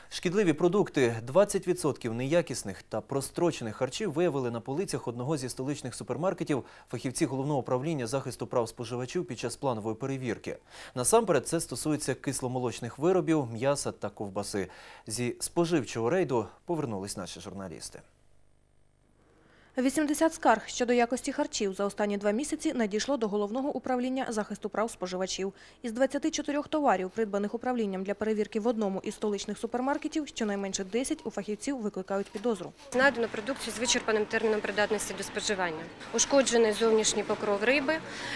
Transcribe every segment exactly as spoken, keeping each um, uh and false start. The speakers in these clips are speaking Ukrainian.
Шкідливі продукти, двадцять відсотків неякісних та прострочених харчів виявили на полицях одного зі столичних супермаркетів фахівці Головного управління захисту прав споживачів під час планової перевірки. Насамперед це стосується кисломолочних виробів, м'яса та ковбаси. Зі споживчого рейду повернулись наші журналісти. вісімдесят скарг щодо якості харчів за останні два місяці надійшло до Головного управління захисту прав споживачів. Із двадцяти чотирьох товарів, придбаних управлінням для перевірки в одному із столичних супермаркетів, щонайменше десять у фахівців викликають підозру. Знайдено продукцію з вичерпаним терміном придатності до споживання. Ушкоджений зовнішній покров риби,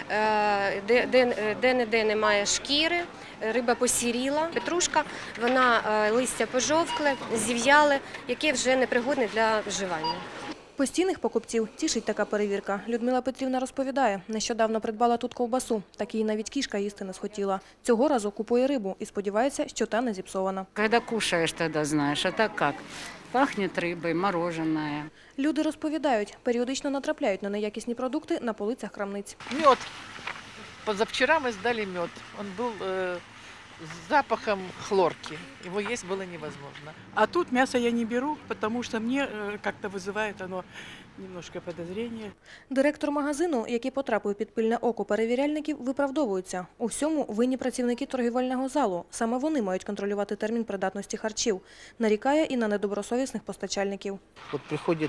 де-не-де немає шкіри, риба посіріла, петрушка, вона листя пожовкле, зів'яле, яке вже непригодне для вживання. Постійних покупців тішить така перевірка. Людмила Петрівна розповідає, нещодавно придбала тут ковбасу, так її навіть кішка їсти не схотіла. Цього разу купує рибу і сподівається, що та не зіпсована. Коли кушаєш, тоді знаєш, а так як? Пахне рибою, мороженое. Люди розповідають, періодично натрапляють на неякісні продукти на полицях крамниць. Мед. Позавчера мы сдали мед. Он был э, с запахом хлорки. Его есть было невозможно. А тут мясо я не беру, потому что мне э, как-то вызывает оно немножко подозрение. Директор магазину, який потрапив під пильне око перевіряльників, виправдовуються. У всьому винні працівники торгівельного залу. Саме вони мають контролювати термін придатності харчів. Нарікає і на недобросовісних постачальників. От приходить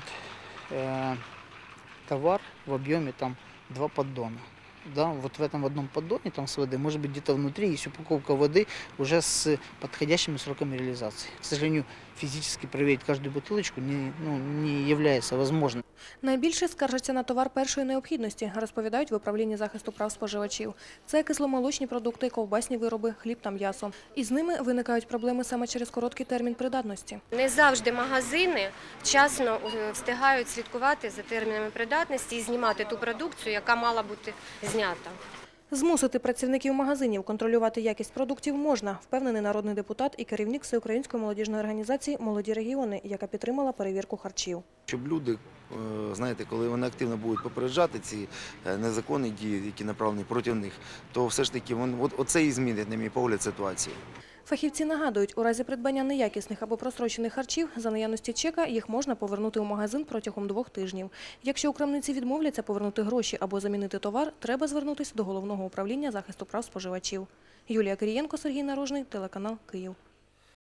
э, товар в об'ємі там два поддона. Да, вот в этом одном поддоне там с водой, может быть, где-то внутри есть упаковка воды уже с подходящими сроками реализации. К сожалению, физически проверить каждую бутылочку не, ну, не является возможным. Найбільше скаржаться на товар першої необхідності, розповідають в управлінні захисту прав споживачів. Це кисломолочні продукти, ковбасні вироби, хліб та м'ясо. І з ними виникають проблеми саме через короткий термін придатності. Не завжди магазини вчасно встигають слідкувати за термінами придатності і знімати ту продукцію, яка мала бути знята. Змусити працівників магазинів контролювати якість продуктів можна, впевнений народний депутат і керівник Всеукраїнської молодіжної організації «Молоді регіони», яка підтримала перевірку харчів. Щоб люди, знаєте, коли вони активно будуть попереджати ці незаконні дії, які направлені проти них, то все ж таки оце і змінить, на мій погляд, ситуацію. Фахівці нагадують, у разі придбання неякісних або прострочених харчів за наявності чека їх можна повернути у магазин протягом двох тижнів. Якщо у крамниці відмовляться повернути гроші або замінити товар, треба звернутися до Головного управління захисту прав споживачів. Юлія Кирієнко, Сергій Наружний, телеканал «Київ».